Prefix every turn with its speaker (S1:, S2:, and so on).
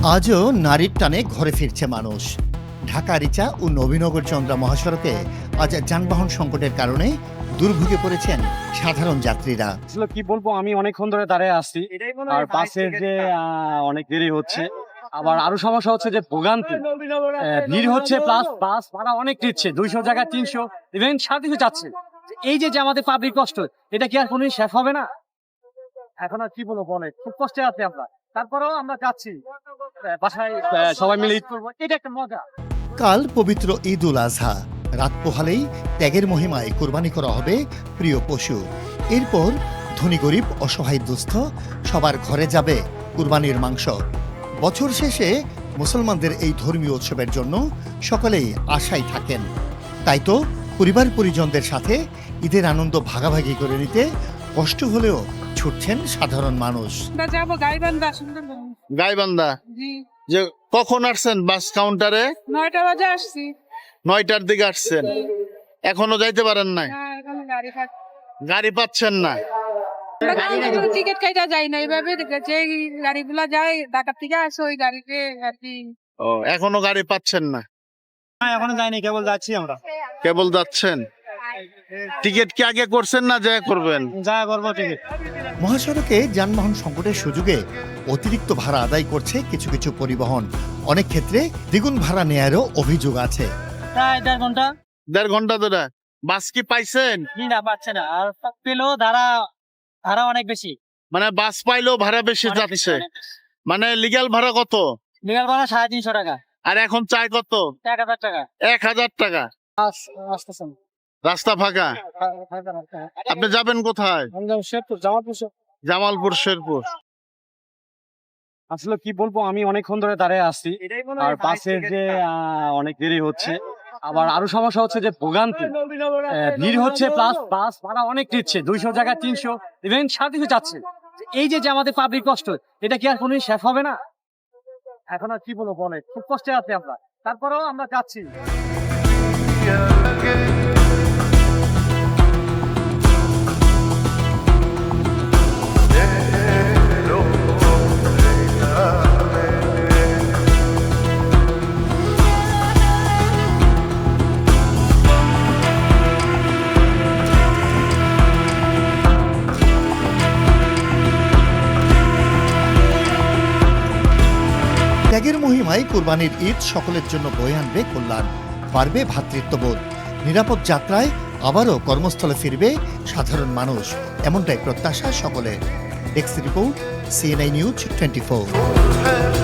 S1: আজও নারীর টানে ঘরে ফিরছে মানুষ। ঢাকা রিচা ও নবীনগর চন্দ্রা মহাসড়কে আজ যানবাহন সংকটের কারণে দুর্ভোগে পড়েছেন সাধারণ যাত্রীরা।
S2: আসলে কি বলবো, আমি অনেকক্ষণ ধরে দাঁড়িয়ে আসছি আর বাসের যে অনেক দেরি হচ্ছে। আবার আরো সমস্যা হচ্ছে যে ভোগান্তি, ভিড় হচ্ছে, প্লাস বাস ভাড়া অনেক নিচ্ছে, 200 জায়গায় 300, ইভেন 350 যাচ্ছে। এই যে আমাদের পাবলিক কষ্ট, এটা কি আর কোনোদিন শেষ হবে না? এখন আর কি বলবো, অনেক খুব কষ্টে আছি আমরা। তারপরেও আমরা যাচ্ছি বাসায়, সবাই মিলে ঈদ করবো, এটা একটা মজা।
S1: কাল পবিত্র ঈদ উল আজহা, রাত পোহালেই ত্যাগের মহিমায় কোরবানি করা হবে প্রিয় পশু। এরপর ধনী গরিব অসহায় দুস্থ সবার ঘরে যাবে কুরবানির মাংস। বছর শেষে মুসলমানদের এই ধর্মীয় উৎসবের জন্য সকলেই আশায় থাকেন। তাই তো পরিবার পরিজনদের সাথে ঈদের আনন্দ ভাগাভাগি করে নিতে কষ্ট হলেও ছুটছেন সাধারণ মানুষ।
S3: যাবো গাইবান্ধা, সুন্দরবন।
S4: গাইবান্ধা
S3: জি,
S4: যে কখন আসছেন বাস কাউন্টারে?
S3: 9টা বাজে আসছি।
S4: 9টার দিকে আসছেন, এখনো যাইতে পারেন নাই?
S3: হ্যাঁ, এখন গাড়ি পাচ্ছি।
S4: গাড়ি পাচ্ছেন না?
S3: টিকিট কাইটা যাই না, এইভাবে যে গাড়িগুলা যায় ঢাকা থেকে আসে ওই গাড়িতে আর কি।
S4: ও, এখনো গাড়ি পাচ্ছেন না?
S2: এখনো যাইনি, কেবল যাচ্ছি আমরা।
S4: কেবল যাচ্ছেন? টিকিট কি আগে করছেন না যা করবেন?
S2: যা করবো টিকিট।
S1: মহাসড়কে যানবাহন সংকটের সুযোগে অতিরিক্ত ভাড়া আদায় করছে কিছু কিছু পরিবহন। অনেক ক্ষেত্রে দ্বিগুণ ভাড়া নেয়ারও অভিযোগ আছে।
S2: প্রায় 1.5 ঘন্টা।
S4: 1.5 ঘন্টা ধরে বাস কি পাইছেন?
S2: না, পাচ্ছে না। আর পেলেও ভাড়া অনেক বেশি।
S4: মানে বাস পাইলেও ভাড়া বেশি যাচ্ছে? মানে লিগ্যাল ভাড়া কত?
S2: লিগাল ভাড়া 350 টাকা।
S4: আর এখন চাই কত?
S2: 1000 টাকা।
S4: 1000 টাকা।
S2: আসতেছেন
S4: রাস্তা ফাঁকা। আপনি যাবেন কোথায়?
S2: শেরপুর, জামালপুর।
S4: জামালপুর, শেরপুর।
S2: আসলে কি বলবো, আমি অনেকক্ষণ ধরে দাঁড়িয়ে আসছি আর বাসের যে অনেক দেরি হচ্ছে। আবার আরো সমস্যা হচ্ছে যে ভোগান্তি, ভিড় হচ্ছে, প্লাস বাস ভাড়া অনেক নিচ্ছে, 200 জায়গায় 300, ইভেন 350 যাচ্ছে। এই যে আমাদের পাবলিক কষ্ট, এটা কি আর কোনোদিন শেষ হবে না? এখন আর কি বলবো, অনেক খুব কষ্টে আছি আমরা। তারপরেও আমরা যাচ্ছি।
S1: ত্যাগের মহিমায় কুরবানির ঈদ সকলের জন্য বয়ে আনবে কল্যাণ, বাড়বে ভ্রাতৃত্ববোধ। নিরাপদ যাত্রায় আবারও কর্মস্থলে ফিরবে সাধারণ মানুষ, এমনটাই প্রত্যাশা সকলের। Desk report, CNI news 24।